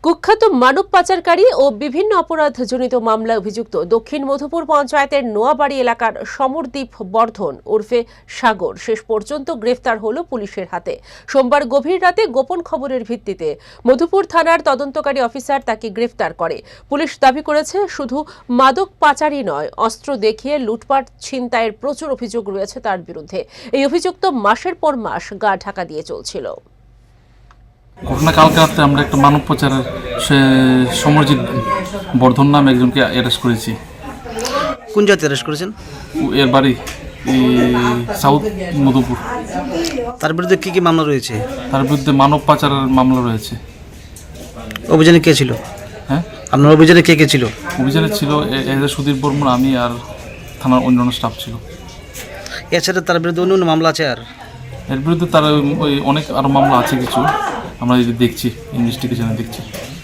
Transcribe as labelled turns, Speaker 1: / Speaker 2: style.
Speaker 1: কুখ্যাত মানব পাচারকারী ও বিভিন্ন অপরাধজনিত মামলায় অভিযুক্ত দক্ষিণ মধুপুর পঞ্চায়েতের নোয়াবাড়ি এলাকার সমরদীপ বর্ধন ওরফে সাগর শেষ পর্যন্ত গ্রেফতার হলো পুলিশের হাতে। সোমবার গভীর রাতে গোপন খবরের ভিত্তিতে মধুপুর থানার তদন্তকারী অফিসার তাকে গ্রেফতার করে। পুলিশ দাবি করেছে, শুধু মাদক পাচারই নয়, অস্ত্র দেখিয়ে লুটপাট ছিনতাইয়ের প্রচুর অভিযোগ রয়েছে তার বিরুদ্ধে। এই অভিযুক্ত মাসের পর মাস গা ঢাকা দিয়ে চলছিল।
Speaker 2: ঘটনা কালকে রাত্রে আমরা একটা মানব পাচারের সমরজিৎ বর্ধন নামে একজনকে অ্যারেস্ট করেছি।
Speaker 3: কোন জায়গাতে অ্যারেস্ট করেছেন?
Speaker 2: এর বাড়ি সাউথ মধুপুর।
Speaker 3: তার বিরুদ্ধে কি কি মামলা রয়েছে?
Speaker 2: তার বিরুদ্ধে মানব পাচারের মামলা রয়েছে।
Speaker 3: অভিযানে কে ছিল?
Speaker 2: হ্যাঁ,
Speaker 3: আপনার অভিযানে কে কে ছিল?
Speaker 2: অভিযানে ছিল সুধীর বর্মন, আমি আর থানার অন্যান্য স্টাফ ছিল।
Speaker 3: এছাড়া তার বিরুদ্ধে অন্য মামলা আছে? আর
Speaker 2: এর বিরুদ্ধে তার ওই অনেক আরও মামলা আছে কিছু, আমরা দেখছি, ইনভেস্টিগেশনে দেখছি।